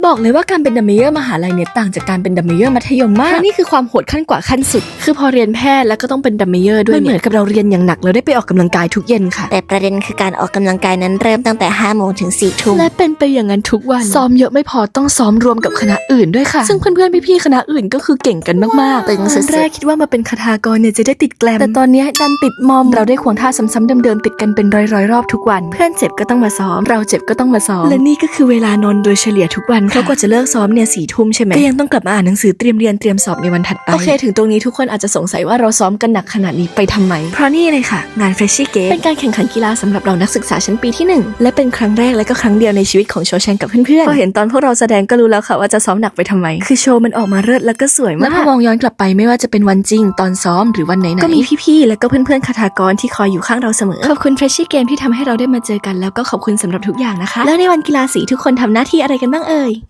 บอกเลยว่าการเป็นดัมเมเยอร์มหาลัยเนี่ยต่างจากการเป็นดัมเมเยอร์มัธยมมากนี่คือความโหดขั้นกว่าขั้นสุดคือพอเรียนแพทย์แล้วก็ต้องเป็นดัมเมเยอร์ด้วยเหมือนกับเราเรียนอย่างหนักแล้วได้ไปออกกำลังกายทุกเย็นค่ะแต่ประเด็นคือการออกกำลังกายนั้นเริ่มตั้งแต่5 โมงถึง 4 ทุ่มและเป็นไปอย่างนั้นทุกวันซ้อมเยอะไม่พอต้องซ้อมรวมกับคณะอื่นด้วยค่ะซึ่งเพื่อนๆพี่ๆคณะอื่นก็คือเก่งกันมากๆตึงสุดๆแรกคิดว่ามาเป็นคทากรเนี่ยจะได้ติดแกลมแต่ตอนนี้ดันติดมอมเราได้ควงท่าซ้ำๆเดิมๆติดกันเป็นร้อยๆรอบทุกวันเพื่อนเจ็บก็ต้องมาซ้อมเราเจ็บก็ต้องมาซ้อมและนี่ก็คือเวลานอนโดยเฉลี่ยทุกวันเขากว่าจะเลิกซ้อมเนี่ย4 ทุ่มใช่ไหมก็ยังต้องกลับมาอ่านหนังสือเตรียมเรียนเตรียมสอบในวันถัดไปโอเคถึงตรงนี้ทุกคนอาจจะสงสัยว่าเราซ้อมกันหนักขนาดนี้ไปทำไมเพราะนี่เลยค่ะงาน Freshie Game เป็นการแข่งขันกีฬาสำหรับเรานักศึกษาชั้นปีที่1และเป็นครั้งแรกและก็ครั้งเดียวในชีวิตของโชแชงกับเพื่อนๆพอเห็นตอนพวกเราแสดงก็รู้แล้วค่ะว่าจะซ้อมหนักไปทำไมคือโชว์มันออกมาเลิศแล้วก็สวยมากและพอมองย้อนกลับไปไม่ว่าจะเป็นวันจริงตอนซ้อมหรือวันไหนๆก็มีพี่ๆและก็เพื่อนๆคทากรที่คอยอยู่ข้างเราเสมอขอบคุณ Freshie Game ที่ทำให้เราได้มาเจอกันแล้วก็ขอบคุณสำหรับทุกอย่างนะคะแล้วในวันกีฬาสีทุกคนทำหน้าที่อะไรกันบ้างเอ่ย